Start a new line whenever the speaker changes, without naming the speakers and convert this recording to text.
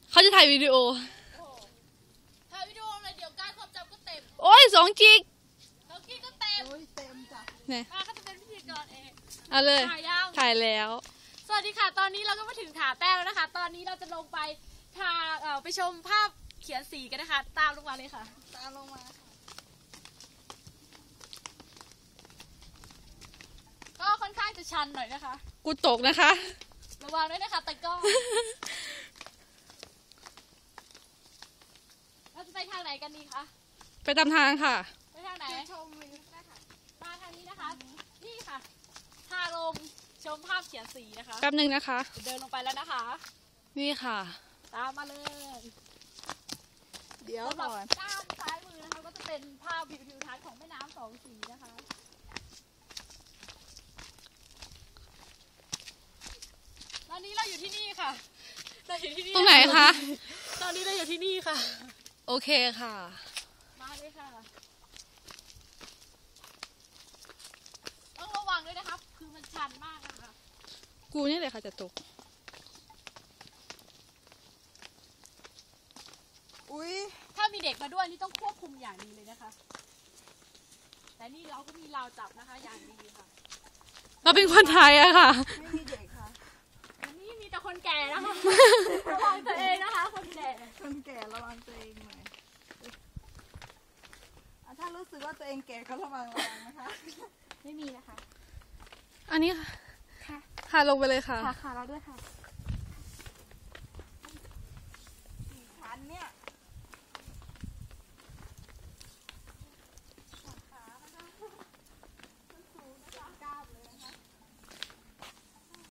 เขาจะถ่ายวิดีโอ
ถ่ายวิดีโอเลยเดี๋ยวการความจำก็เต็ม
โอ้ย2 กิก
2 กิกก็เต็ม
เต็มจ้ะ
เนี่ย
เขาจะเป็นพิธีกรเอง
เอาเลยถ่ายแล้ว
สวัสดีค่ะตอนนี้เราก็มาถึงผาแต้มแล้วนะคะตอนนี้เราจะลงไปไปชมภาพเขียนสีกันนะคะตามลงมาเลยค่ะ
ตามลงมา
ก็ค่อนข้างจะชันหน่อยนะคะ
กูตกนะคะ
ระวังด้วยนะคะตะก้อเราจะไปทางไหนกันดีคะ
ไปตามทางค่ะ
ไปทางไหนชมวิวได้ค่ะมาทางนี้นะคะนี่ค่ะทางลงชมภาพเขียนสีนะคะ
แป๊บนึงนะคะ
เดินลงไปแล้วนะคะ
นี่ค่ะ
ตามมาเลย
เดี๋ยวก่อน
ด้านซ้ายมือนะคะก็จะเป็นภาพวิวทิวทัศน์ของแม่น้ำ2 สีนะคะตอนนี้เราอยู่ที่นี่ค่ะเราอยู่ที่นี่
ตรงไหนคะ
ตอนนี้เราอยู่ที่นี่ค่ะ
โอเคค่ะ
มาเลยค่ะต้องระวังด้วยนะครับคือมันชันมากนะคะ
กูนี่เลยค่ะจะตก
อุ้ย
ถ้ามีเด็กมาด้วยนี่ต้องควบคุมอย่างดีเลยนะคะแต่นี่เราก็มีราวจับนะคะอย่างดีค่ะ
เราเป็นคนไทยอะค่ะ
ไม่มีเด็กค่ะ
อันนี้มีแต่คนแก่นะคะระวังตัวเองนะคะคนแก่
ระวังตัวเองหน่อยถ้ารู้สึกว่าตัวเองแก่ก็ระวังนะคะ
ไม่มีนะคะ
อันนี้ค่ะลงไปเลยค่ะ
ค่ะเราด้วยค่ะ